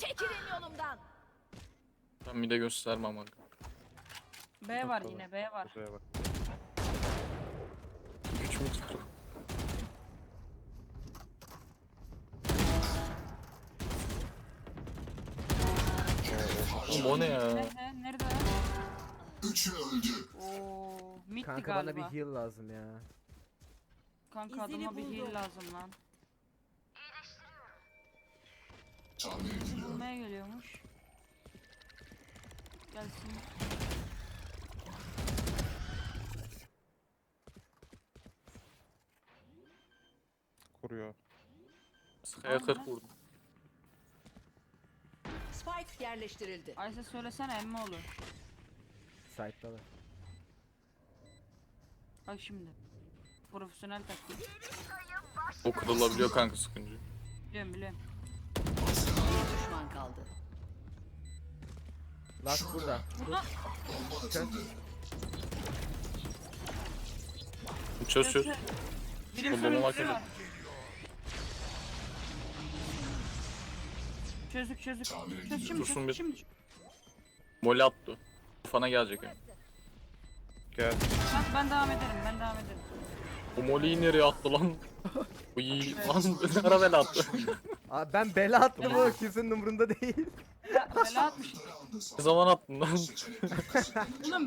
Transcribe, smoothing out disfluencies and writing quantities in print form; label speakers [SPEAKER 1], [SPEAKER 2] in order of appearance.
[SPEAKER 1] Çekilin yolumdan.
[SPEAKER 2] Ben bir de göstermem bak.
[SPEAKER 3] B var yine, B var.
[SPEAKER 4] Buraya bak.
[SPEAKER 2] Güç mü tuttu? Oğlum o ne ya?
[SPEAKER 3] Nerede? Nerede?
[SPEAKER 5] Üçü öldü.
[SPEAKER 3] Oo, middi
[SPEAKER 6] Kanka bana
[SPEAKER 3] galiba.
[SPEAKER 6] bir heal lazım ya.
[SPEAKER 3] Kanka
[SPEAKER 1] İzini
[SPEAKER 3] adama bir heal
[SPEAKER 1] buldum.
[SPEAKER 3] lazım lan.
[SPEAKER 5] Tamir ediliyor.
[SPEAKER 3] Bulmaya geliyormuş. Gelsin.
[SPEAKER 4] Kuruyor.
[SPEAKER 2] Sıkaya 40 vurdum.
[SPEAKER 1] Spike yerleştirildi.
[SPEAKER 3] Ayşe söylesene emmi olur.
[SPEAKER 6] Site'dalar.
[SPEAKER 3] Bak şimdi. Profesyonel taktik.
[SPEAKER 2] O kırılabiliyor kanka sıkıntı.
[SPEAKER 3] Biliyorum biliyorum.
[SPEAKER 1] Bir düşman kaldı.
[SPEAKER 6] Last burada.
[SPEAKER 3] Burada
[SPEAKER 5] Bomba atıldı.
[SPEAKER 2] Çöz çöz.
[SPEAKER 3] birim
[SPEAKER 2] Bomba
[SPEAKER 3] sürücüsü
[SPEAKER 2] makine.
[SPEAKER 3] var. Çözdük. Çöz şimdi
[SPEAKER 2] Dursun
[SPEAKER 3] çöz
[SPEAKER 2] bir-
[SPEAKER 3] şimdi.
[SPEAKER 2] Moli attı. Fana gelecek yani.
[SPEAKER 4] Gel.
[SPEAKER 3] Ben devam ederim.
[SPEAKER 2] O Moli'yi nereye attı lan? Uy lan ne ara bela attı.
[SPEAKER 6] Abi ben bela attım o kimsenin umurunda değil.
[SPEAKER 3] Bela atmış.
[SPEAKER 2] Ne zaman attın lan?
[SPEAKER 3] Oğlum